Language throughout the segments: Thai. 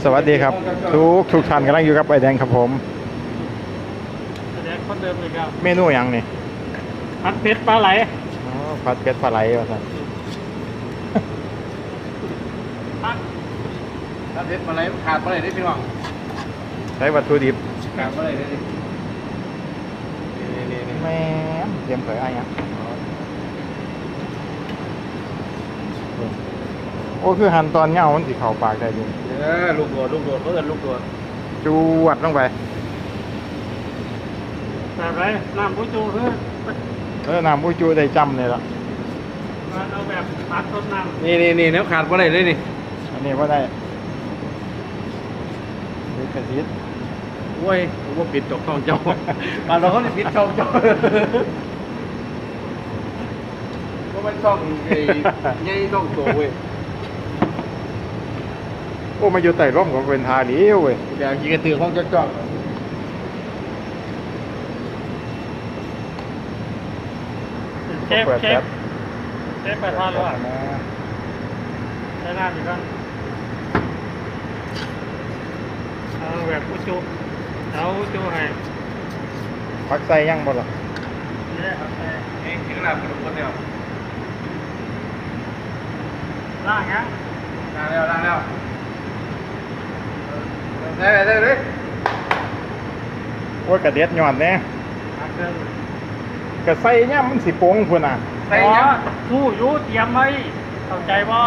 วัสดีครับทุกท่านกำลังอยู่กับไอแดงครับผมไอแดงคนเดิมเลยครับเมนูอย่างนี่ผัดเผ็ดปลาไหลอ๋อผัดเผ็ดปลาไหลว่าซั่นผัดเผ็ดปลาไหลขาดปลาไหลได้พี่น้องใช้วัตถุดิบขาดปลาไหลได้นี่แม่เตรียมเผยอะไรยังโอ้คือหั่นตอนเงามันสิเข้าปากได้ดีลูกโดดเขาเอิ้นลูกโดดจวดลงไปแบบไรน้ำผู้จูน้ำอุยจูได้จำเลยละเอาแบบผัดต้นน้ำนี่น้ำขาดปลาไหลได้นี่อันนี้ว่าได้ดูกระซิบโอ้ยผมว่าปิดจกทองเจ้ามาเราเขาได้ปิดช่องเจ้าเพราะมันช่องใหญ่ช่องโตเว้ยโอ้มาอยู่ใต้ร่มก็เป็นทาดีเว้ยเดี๋ยวยิงกระตือของเจ้าจ้องเชฟไปทานหรือเปล่าใช้น้ำอีกครั้งเอาแบบผู้จูเอาจูให้พักใส่ยังบ่ล่ะนี่ครับเองถึงน้ำกระดูกคนเดียวล้างยังล้างแล้วได้เลยว่ากระเด็ดหย่อนแน่กระใส่เนี่ยมันสิโป่งพุ่นน่ะใส่ยังสู้อยู่เตรียมไว้เข้าใจบ่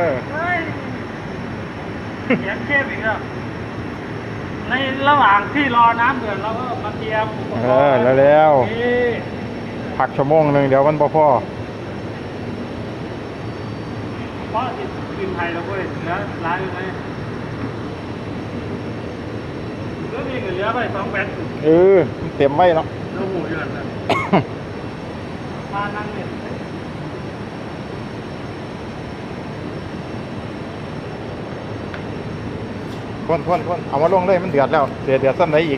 เตรียมเชฟอีกแล้วในระหว่างที่รอน้ำเดือดเราก็มาเตรียมอุปกรณ์แล้วพักชั่วโมงนึงเดี๋ยวมันบ่พอเพราะกินไทยเราก็เหลือร้ายอยู่ไหมเหลือมีเหลือไป2 แบตเต็มไว้เนาะเราหูอยู่นั่นแหละมานั่งเนี่ยพ่นเอามาลงเลยมันเดือดแล้วเดือดซ้ำไหนอีก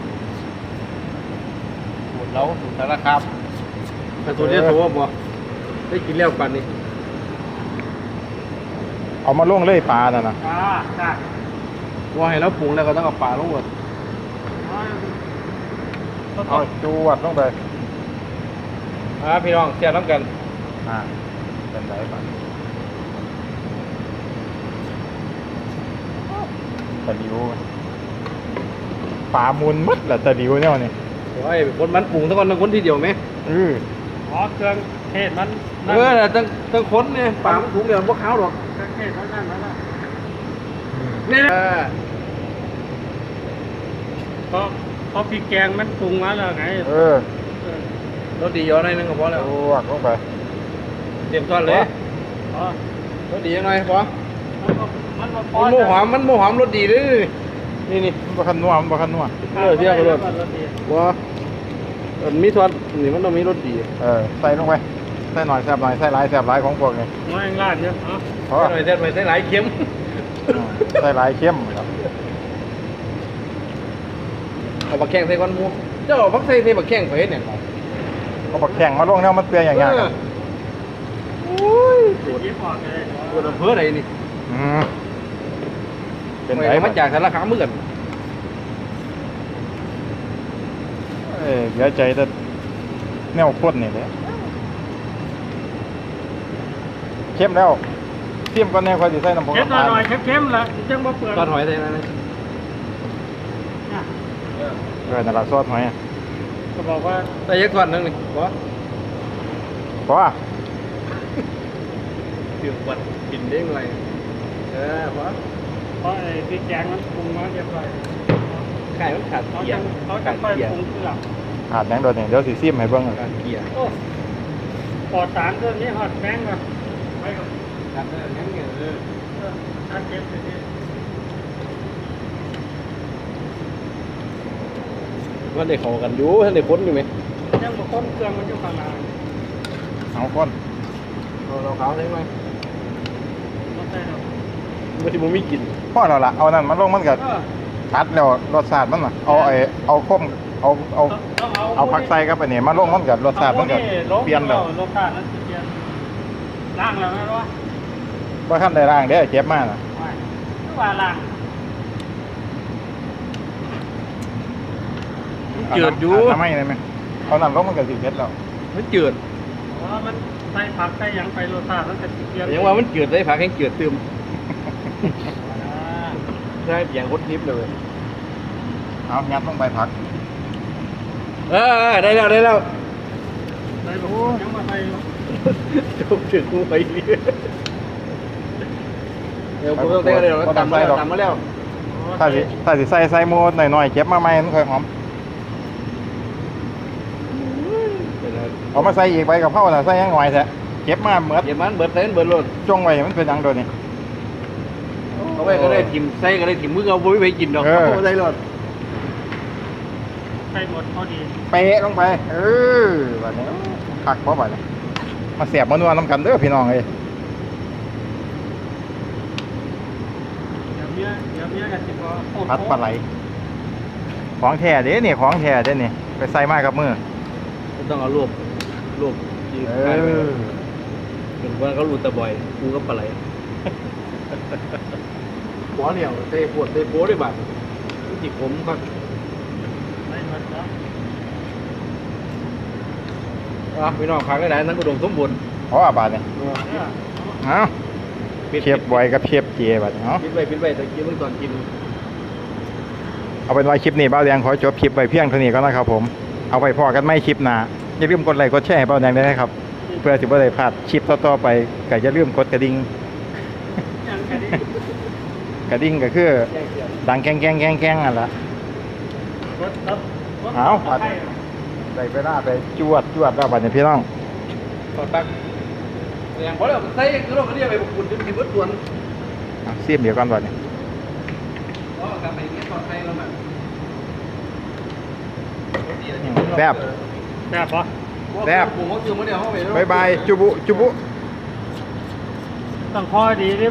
หมดแล้วสุดแล้วครับแต่ตัวนี้ตัวบ่ได้กินแล้วปันนี่เอามาลงเลยปลาน่ะนะใช่ว่าให้เราปรุงแล้วก็ต้องเอาปลาลงหมดเอาจวดลงไปพี่น้องเสียน้ำกันเป็นไรปะตะดิวปลามุนมัดแหละตะดิวเนี่ยนี่โอ้ยคนมันปรุงทั้งคนทีเดียวไหมเครื่องเทศมันตั้งคนเนี่ยปลาถุงเดียวพวกเขาหรอกเครื่องเทศนั่นนี่เพราะพริกแกงมันปรุงมาแล้วไงรสดีย้อนหน่อยนึงก็พอแล้ววักลงไปเตรียมต้นเลยรสดียังไงพอมันโมหอมรสดีเลยนี่บ่คันนัวเที่ยวกันรสว่ามีทอดนี่มันต้องมีรสดีใส่ลงไปใส่หน่อยแซ่บหน่อยใส่หลายแซ่บหลายของพวกนี้น้อยลาดเยอะใส่หน่อยใส่หลายเค็มใส่หลายเค็มครับเอาบักแข้งใส่ก้อนหมูเจ้าบักใส่บักแข้งไปเนี่ยเอาบักแข้งมาลงเนี่ยมันเปรี้ยอย่างเงี้ยโอ้ยตัวอำเภอไหนนี่เป็นไรมาจากสารคามเหมือนกันเดี๋ยวใจจะแนวข้นนี่เลยเข้มแล้วเข้มก็แนวคอยดีใส่น้ำผงเข้มหน่อยเข้มละจังบ่เปื่อยซอสหอยใส่อะไรนั่นแหละซอสหอยก็บอกว่าใส่ยักษ์ทอดนึงนี่พอถือวัดกินได้ไงเพราะไอ้พริกแกงมันปรุงมาเรียบร้อยไก่มันขาดเกี๊ยวเขาจะไปปรุงเครื่องขาดแบงค์โดนเนี่ยเดี๋ยวสีซิมให้เบิ้งขาดเกี๊ยวปอดสารตัวนี้หอดแบงค์ก่อนไปก่อนขาดแบงค์เนี่ยขาดเก็บไปดิว่าเด็กเขากันอยู่ท่านเด็กพ้นอยู่ไหมยังบอกพ้นเครื่องมันอยู่ข้างหน้าเอาก้นเราขาวได้ไหมไม่ที่มึงไม่กินพ่อเราละเอานั่นมันลงมันกับชัดแล้วรสชาติมันน่ะเอาข้มเอาผักใส่กับอันนี้มาลงมันกับรสชาติมันกับเปลี่ยนแล้วรสชาตินั้นเปลี่ยนล้างแล้วนะวะว่าขั้นใดล่างเด้อเจ็บมากนะว่าล้างจืดอยู่ทำไมได้ไหมเอาน้ำลงมันก็สิเผ็ดแล้วมันจืดเพราะว่ามันใส่ผักใส่หยังไปรสชาติมันจะเปลี่ยนยังว่ามันจืดได้ผักแห้งจืดเติมได้เพียงคดทิพย์เลยเอางัดลงไปผักได้แล้วได้แล้วใส่แบบยังมาใส่จบถึงกูไปเรื่อยเดี๋ยวกูต้องเต้นเลยตำมาแล้วถ้าสิใส่หมูหน่อยๆเก็บมาใหม่มันค่อยหอมเอามาใส่อีกใบกับเผาน่ะใส่ยังหน่อยแท้เก็บมาเหมือดเดี๋ยวมันเบิดเต้นเบิดรถจงไว้มันเป็นหยังโดนนี่เอาไว้ก็ได้ถิ่มใส่ก็ได้ถิ่มมือเอาไว้ไปกินดอกเอาได้รถใส่หมดพอดีเป๊ะลงไปบัดนี้คักบ่บัดนี้มาเสียบมานัวน้ำกันเด้อพี่น้องเอ้ยเดี๋ยวเมียกันสิบ่โอ้โหพัดปลาไหลของแท้เด้นี่ของแท้เด้นี่ไปใส่มากับมือต้องเอารูปที่เป็นว่าเขารูตะบ่อยกูก็ปลาไหลหัวเหนียวเตะปวดเตะโป้ได้บ้างจิกผมครับใส่หมดแล้วพี่น้องพักได้ไหนนั้นก็ดมสมบูรณ์เพราะว่าบาดนี่เนี่ยเอ้าเชฟบอยกับเชฟเจบัดนี้เนาะปิดไปตะกี้เมื่อตอนกินเอาเป็นว่าคลิปนี้เบ้าแดงขอจบคลิปไว้เพียงเท่านี้ก็นะครับผมเอาไปพอกันไม่คลิปหน้าอย่าลืมกดไลค์กดแชร์ให้เบ้าแดงด้วยนะครับเพื่อสิบ่ได้พลาดคลิปต่อๆไปก็อย่าลืมกดกระดิ่งยังแค่นี้กระดิ่งก็คือดังแกงนั่นล่ะรถครับเอาปัด ได้เวลาไปจวดแล้วบัดนี้พี่น้องตอนตักอย่างพอแล้วใส่กระโดดกระเดียไปบุกคุณถึงที่เบิดส่วนเอาเสียมเดี๋ยวก่อนบัดนี้ก็กลับไปเงี้ยตอนใส่แล้วมันแซ่บแซ่บปะแซ่บผมก็คือมาเดียวเข้าไปบ๊ายบายจุบุต้องคอยดีดิ